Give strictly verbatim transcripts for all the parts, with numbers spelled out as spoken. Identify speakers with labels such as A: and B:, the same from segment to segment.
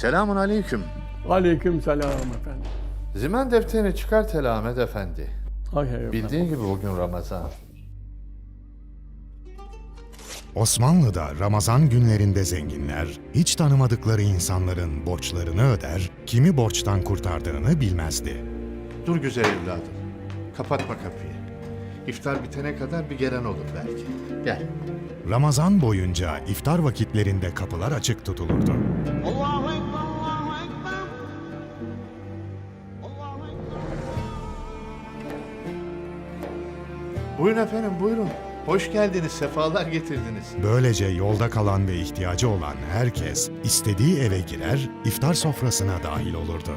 A: Selamun aleyküm.
B: Aleyküm selam efendim.
A: Zimen defterini çıkart hele Ahmet Efendi.
B: Hay hay efendim.
A: Bildiğin gibi bugün Ramazan.
C: Osmanlı'da Ramazan günlerinde zenginler, hiç tanımadıkları insanların borçlarını öder, kimi borçtan kurtardığını bilmezdi.
A: Dur güzel evladım. Kapatma kapıyı. İftar bitene kadar bir gelen olur belki. Gel.
C: Ramazan boyunca iftar vakitlerinde kapılar açık tutulurdu.
D: Allahu Ekber, Allahu Ekber. Allahu Ekber.
A: Buyurun efendim buyurun. Hoş geldiniz, sefalar getirdiniz.
C: Böylece yolda kalan ve ihtiyacı olan herkes istediği eve girer, iftar sofrasına dahil olurdu.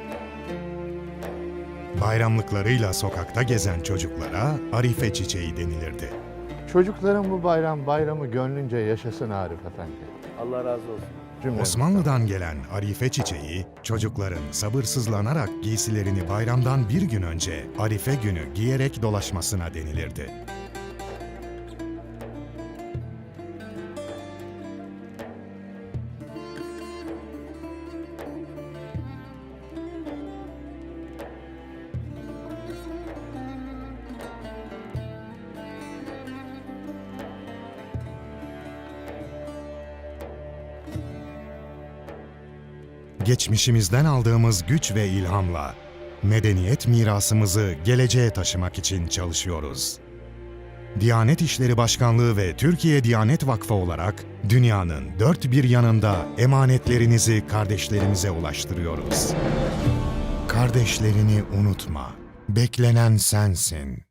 C: Bayramlıklarıyla sokakta gezen çocuklara Arife çiçeği denilirdi.
A: Çocukların bu bayram bayramı gönlünce yaşasın Arif Efendi.
B: Allah razı olsun.
A: Cümle.
C: Osmanlı'dan gelen Arife çiçeği, çocukların sabırsızlanarak giysilerini bayramdan bir gün önce Arife günü giyerek dolaşmasına denilirdi. Geçmişimizden aldığımız güç ve ilhamla medeniyet mirasımızı geleceğe taşımak için çalışıyoruz. Diyanet İşleri Başkanlığı ve Türkiye Diyanet Vakfı olarak dünyanın dört bir yanında emanetlerinizi kardeşlerimize ulaştırıyoruz. Kardeşlerini unutma, beklenen sensin.